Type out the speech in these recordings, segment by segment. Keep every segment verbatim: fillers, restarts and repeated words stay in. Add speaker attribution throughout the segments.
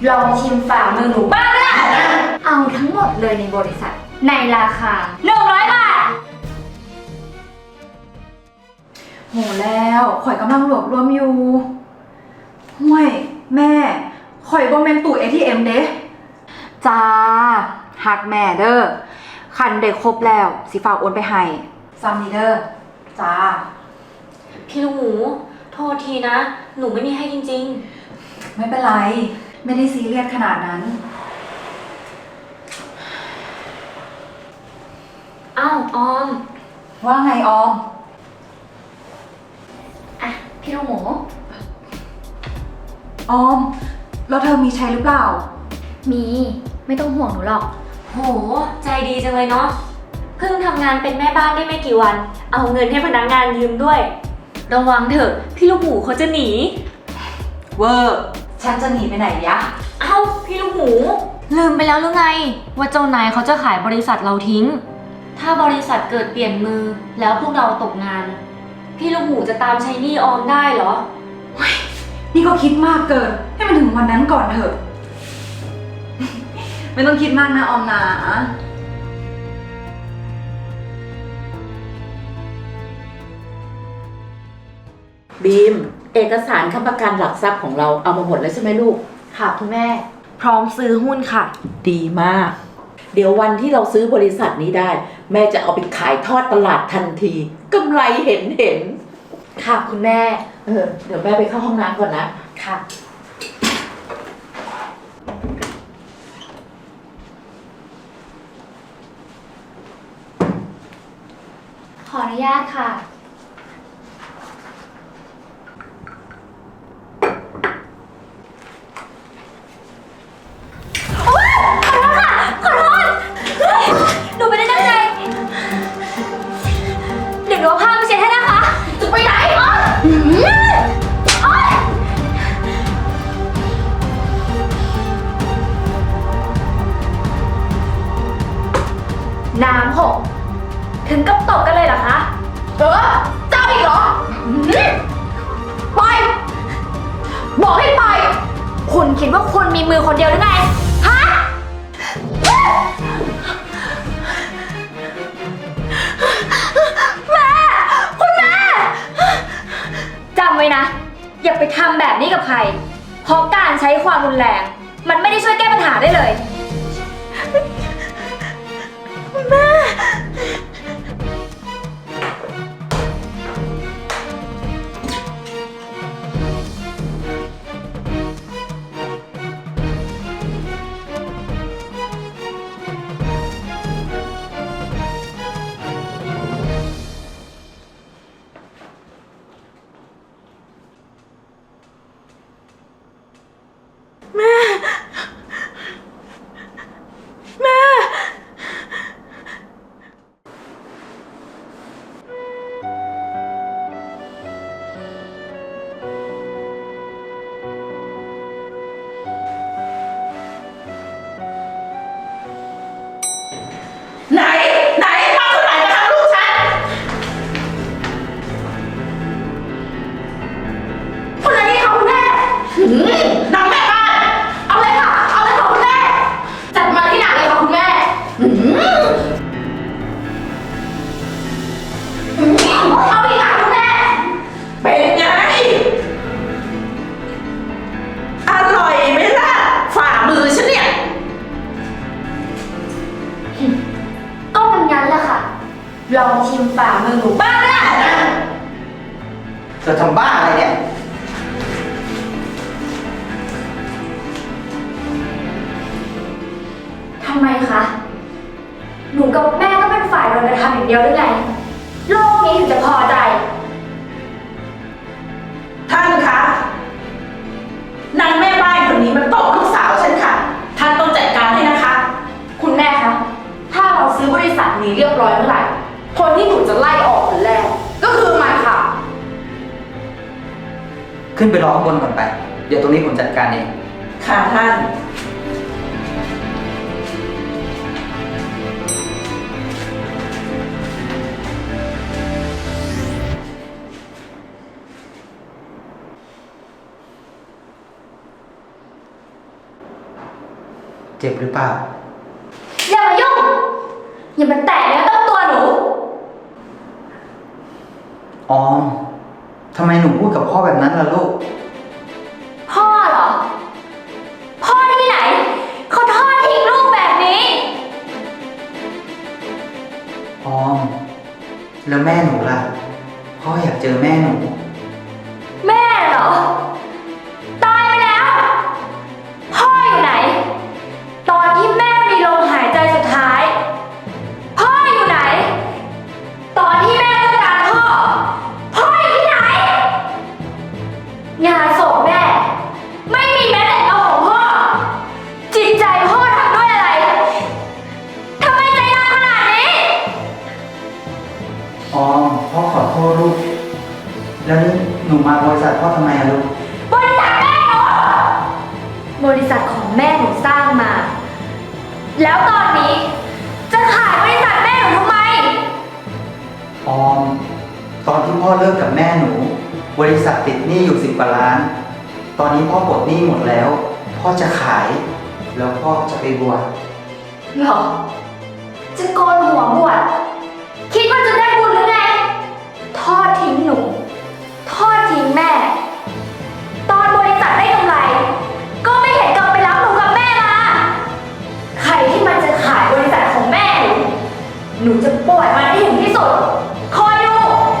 Speaker 1: ลองชิมฝ่ามือหนูบ้างก็ได้เอาทั้งหมดเลยในบริษัทในราคาหนึ่งร้อยบาท
Speaker 2: โหแล้วข่อยกำลังรวบรวมอยู่ห่วยแม่ข่อยบ่แม่นตู้ เอ ที เอ็ม เด้จ้าหักแม่เด้อคันได้ครบแล้วสิฝากโอนไปให้ซัมนีเด้อจ้า
Speaker 3: พี่ลูกหมูโทษทีนะหนูไม่มีให้จริง
Speaker 2: ๆไม่เป็นไรไม่ได้ซีเรียสขนาดนั้น
Speaker 3: อ้าวออม
Speaker 2: ว่าไงออม
Speaker 1: อ่ะพี่ลูกหมู
Speaker 2: ออมแล้วเธอมีใช้หรือเปล่า
Speaker 1: มีไม่ต้องห่วงหนูหรอก
Speaker 3: โหใจดีจังเลยเนาะเพิ่งทำงานเป็นแม่บ้านได้ไม่กี่วันเอาเงินให้พนักงานยืมด้วยระวังเถอะพี่ลูกหมูเขาจะหนี
Speaker 2: เวอร์ฉันจะหนีไปไหนยะ
Speaker 3: เอ้าพี่ลูกหมูลืมไปแล้วหรือไงว่าเจ้านายเขาจะขายบริษัทเราทิ้งถ้าบริษัทเกิดเปลี่ยนมือแล้วพวกเราตกงานพี่ลูกหมูจะตามใช้หนี้ออมได้เหรอ
Speaker 2: นี่ก็คิดมากเกินให้มันถึงวันนั้นก่อนเถอะ ไม่ต้องคิดมากนะออมนะ
Speaker 4: บีมเอกสารค้ำประกันหลักทรัพย์ของเราเอามาหมดแล้วใช่ไหมลูก
Speaker 3: ค่ะคุณแม่พร้อมซื้อหุ้นค่ะ
Speaker 4: ดีมากเดี๋ยววันที่เราซื้อบริษัทนี้ได้แม่จะเอาไปขายทอดตลาดทันทีกำไรเห็นเห็น
Speaker 3: ค่ะคุณแม่
Speaker 4: เออเดี๋ยวแม่ไปเข้าห้องน้ำก่อนนะ
Speaker 3: ค่ะ
Speaker 1: ขออนุญาตค่ะหนูไม่ได้ตั้งใจเดี๋ยวหนูเอาผ้ามาเช็ดให้นะคะจะไปไหนอ๋อน้ำหกถึงกับตกกันเลยเหรอคะเออเจ้าอีกเหรอไปบอกให้ไปคุณคิดว่าคุณมีมือคนเดียวหรือไงฮะแม่คุณแม่จำไว้นะอย่าไปทำแบบนี้กับใครเพราะการใช้ความรุนแรงมันไม่ได้ช่วยแก้ปัญหาได้เลยแม่
Speaker 4: ไหนไหนมาคนไหนมาทำลูกฉัน
Speaker 1: คนอะไรนี่คะคุณแม่
Speaker 4: นางแม่บ้าน
Speaker 1: เอาเลยค่ะเอาเลยค่ะคุณแม่จัดมาที่หนักเลยค่ะคุณแม่เอาอีกค่ะคุณแม่
Speaker 4: เป็นไงอร่อยไหมล่ะฝ่ามือฉันเนี่ย
Speaker 1: ก็มันงั้นแหละค่ะลองชิมฝ่ามือหนูบ้างก็ได้
Speaker 5: เธอทำบ้าอะไรเนี่ย
Speaker 1: ทำไมคะหนูกับแม่ก็เป็นฝ่ายโดนกระทำอย่างเดียวหรือไงโลกนี้ถึงจะพอใจ
Speaker 4: ท่านคะนางแม่บ้านคนนี้มันตบลูกสาวฉันค่ะท่านต้องจัดการให้นะคะ
Speaker 1: คุณแม่คะถ้าเราซื้อบริษัทนี้เรียบร้อยเมื่อไหร่คนที่หนูจะไล่ออกคนแรกก็คือมันค่ะ
Speaker 5: ขึ้นไปรอข้างบนก่อนไปเดี๋ยวตรงนี้ผมจัดการเอง
Speaker 4: ค่ะท่าน
Speaker 5: จ็บหรือเปล่า
Speaker 1: อย่ามายุ่ง อย่ามาแตะเนื้อต้องตัวหนู
Speaker 5: ออม ทำไมหนูพูดกับพ่อแบบนั้นล่ะลูก
Speaker 1: พ่อเหรอ พ่อที่ไหน เขาทอดทิ้งลูกแบบนี้
Speaker 5: ออม แล้วแม่หนูล่ะ พ่ออยากเจอแม่หนู
Speaker 1: แม่เหรอ ตายไปแล้ว พ่ออยู่ไหน ตอนที่แม่มีลมหายใจสุดท้าย พ่ออยู่ไหน ตอนที่แม่ต้องการพ่อ พ่ออยู่ที่ไหน งานศพแม่ ไม่มีแม้แต่เงาของพ่อ จิตใจพ่อทำด้วยอะไรทำไมใจร้ายขนาดนี้
Speaker 5: ออม พ่อขอโทษลูก แล้วนี่หนูมาบริษัทพ่อทำไมอะลูก
Speaker 1: บริษัทแม่หนูบริษัทของแม่หนูสร้างมา แล้วตอนนี้ จะขายบริษัทแม่หนูทำไม
Speaker 5: ออม ตอนที่พ่อเลิกกับแม่หนู บริษัทติดหนี้อยู่สิบกว่าล้าน ตอนนี้พ่อปลดหนี้หมดแล้ว พ่อจะขาย แล้วพ่อจะไปบวช
Speaker 1: หรอ จะโกนหัวบวชคิดว่าจะได้บุญหรือไง ทอดทิ้งหนู ทอดทิ้งแม่ ตอนบริษัทได้กำไร ก็ไม่เห็นกลับไปรับหนูกับแม่มา ใครที่มันจะขายบริษัทของแม่หนู หนูจะปล่อยมันให้ถึงที่สุด คอยดู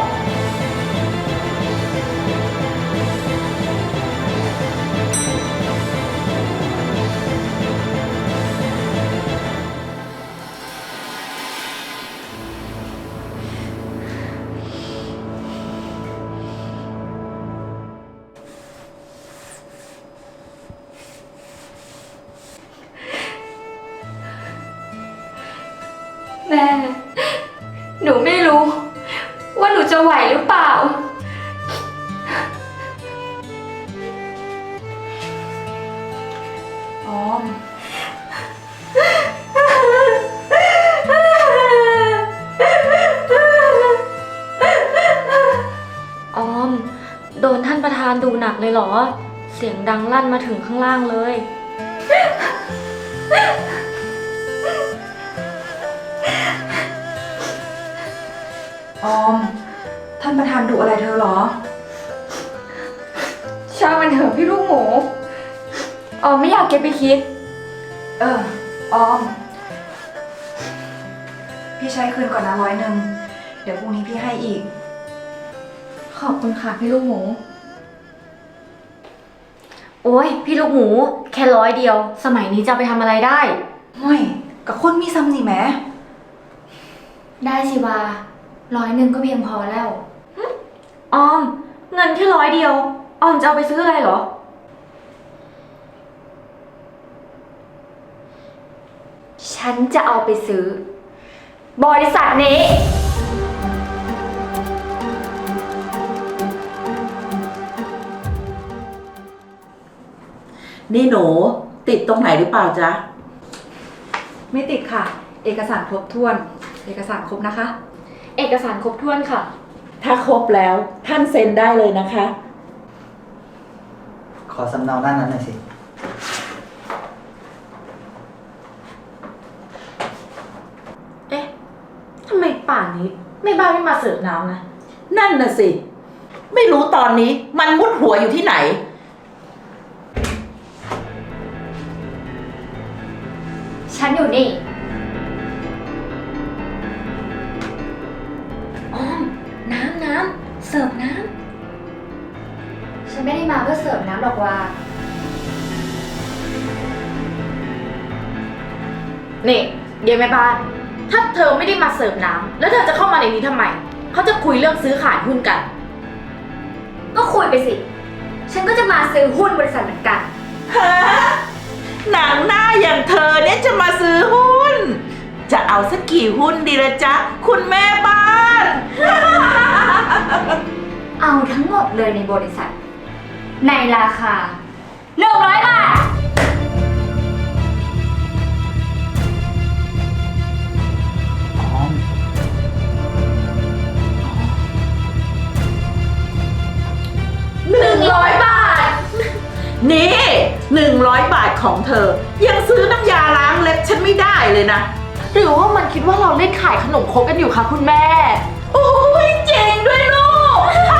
Speaker 1: แม่ หนูไม่รู้ ว่าหนูจะไหวหรือเปล่า
Speaker 2: ออม
Speaker 3: ออม โดนท่านประธานดูหนักเลยเหรอ เสียงดังลั่นมาถึงข้างล่างเลย
Speaker 2: ออม ท่านประธานดุอะไรเธอเหรอ
Speaker 1: ช่างมันเถอะพี่ลูกหมูอ๋อไม่อยากเก็บไปคิด
Speaker 2: เออ ออม พี่ใช้คืนก่อนนะร้อยหนึ่ง เดี๋ยวพรุ่งนี้พี่ให้อีก
Speaker 1: ขอบคุณค่ะพี่ลูกหมู
Speaker 3: โอ้ยพี่ลูกหมู แค่ร้อยเดียว สมัยนี้จะเอาไปทำอะไรได้
Speaker 2: ห่วยกับคนมีซ้ำนี่แหม
Speaker 1: ได้สิวาร้อยหนึ่งก็เพียงพอแล้ว
Speaker 3: ออม เงินแค่ร้อยเดียว ออมจะเอาไปซื้ออะไรเหรอ
Speaker 1: ฉันจะเอาไปซื้อ บริษัทนี้
Speaker 4: นี่หนูติดตรงไหนหรือเปล่าจ๊ะ
Speaker 2: ไม่ติดค่ะ เอกสารครบถ้วน เอกสารครบนะคะ
Speaker 3: เอกสารครบถ้วนค่ะ
Speaker 4: ถ้าครบแล้วท่านเซ็นได้เลยนะคะ
Speaker 5: ขอสำเนาด้านนั้นหน่อยสิ
Speaker 6: เอ๊ะ ทำไมป่านนี้แม่บ้านไม่มาเสิร์ฟน้ำนะ
Speaker 4: นั่นน่ะสิ ไม่รู้ตอนนี้มันมุดหัวอยู่ที่ไหน
Speaker 1: ฉันอยู่นี่
Speaker 3: ออม น้ำน้ำเสิร์ฟน้
Speaker 1: ฉันไม่ได้มาเพื่อเสิร์ฟน้ำหรอกว่า
Speaker 6: นี่เดี๋ยวแม่บ้าน ถ้าเธอไม่ได้มาเสิร์ฟน้ำแล้วเธอจะเข้ามาในนี้ทำไม เขาจะคุยเรื่องซื้อขายหุ้นกัน
Speaker 1: ก็คุยไปสิ ฉันก็จะมาซื้อหุ้นบริษัทเหมือนกัน
Speaker 4: ฮะ หนังหน้าอย่างเธอเนี่ยจะมาซื้อหุ้น จะเอาสักกี่หุ้นดีละจ๊ะ คุณแม่บ้าน
Speaker 1: เอาทั้งหมดเลยในบริษัท ในราคาหนึ่งร้อยบาท
Speaker 5: ออม
Speaker 4: หนึ่งร้อยบาท นี่หนึ่งร้อยบาทของเธอ ยังซื้อน้ำยาล้างฉันไม่ได้เลยนะ
Speaker 6: หรือว่ามันคิดว่าเราเล่นขายขนมครกกันอยู่คะคุณแม่
Speaker 4: โอ้ยเจ๋งด้วยลูก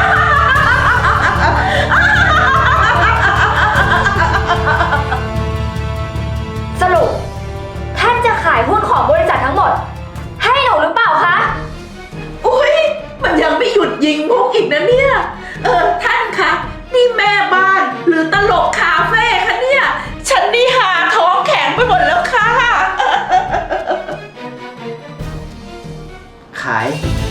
Speaker 1: สรุปท่านจะขายหุ้นของบริษัททั้งหมด ให้หนูหรือเปล่าคะ
Speaker 4: อุ้ยมันยังไม่หยุดยิงมุกอีกนะเนี่ย เออท่านคะ นี่แม่บ้านหรือตลกคาเฟ่คะเนี่ย ฉันนี่หาท้องแข็งไปหมดแล้วค่ะ
Speaker 5: ขาย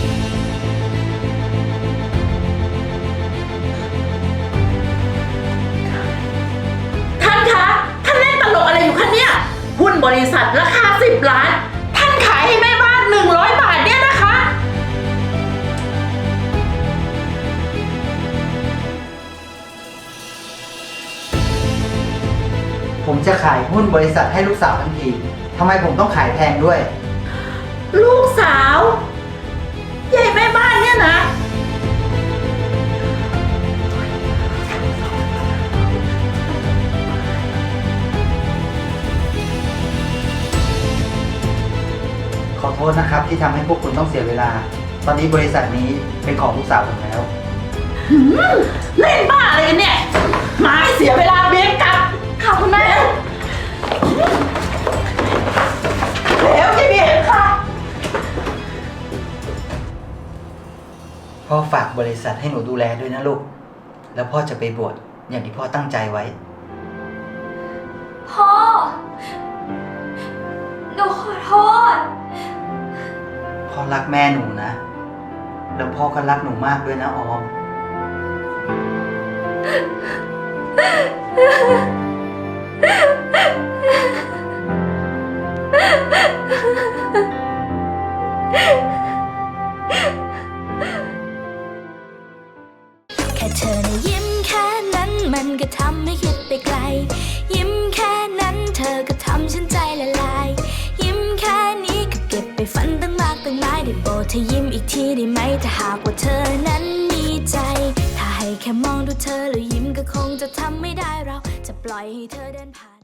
Speaker 4: ท่านคะ ท่านเล่นตลกอะไรอยู่คะเนี่ย หุ้นบริษัทราคาสิบล้าน ท่านขายให้แม่บ้านหนึ่งร้อยบาทเนี่ยนะคะ
Speaker 5: ผมจะขายหุ้นบริษัทให้ลูกสาวทั้งทีทำไมผมต้องขายแพงด้วย
Speaker 4: ลูกสาวใหญ่แม่บ้านเนี่ยนะ
Speaker 5: ขอโทษนะครับที่ทำให้พวกคุณต้องเสียเวลา ตอนนี้บริษัทนี้เป็นของลูกสาวผมแล้ว
Speaker 4: เล่นบ้าอะไรกันเนี่ยมาให้เสียเวลาเบียงกลับ
Speaker 1: ค่ะคุณแม่
Speaker 4: แล้วจะเบียงค่ะ
Speaker 5: พ่อฝากบริษัทให้หนูดูแลด้วยนะลูก แล้วพ่อจะไปบวชอย่างที่พ่อตั้งใจไว้
Speaker 1: พ่อ หนูขอโทษ
Speaker 5: พ่อรักแม่หนูนะ แล้วพ่อก็รักหนูมากด้วยนะออม
Speaker 7: แค่เธอนะยิ้มแค่นั้นมันก็ทำให้คิดไปไกล ยิ้มแค่นั้นเธอก็ทำฉันใจละลาย ยิ้มแค่นี้ก็เก็บไปฝันตั้งมากตั้งหลายได้โปรดเธอยิ้มอีกทีได้ไหมถ้าหากว่าเธอนั้นมีใจ ถ้าให้แค่มองดูเธอแล้วยิ้มก็คงจะทำไม่ได้เราจะปล่อยให้เธอเดินผ่าน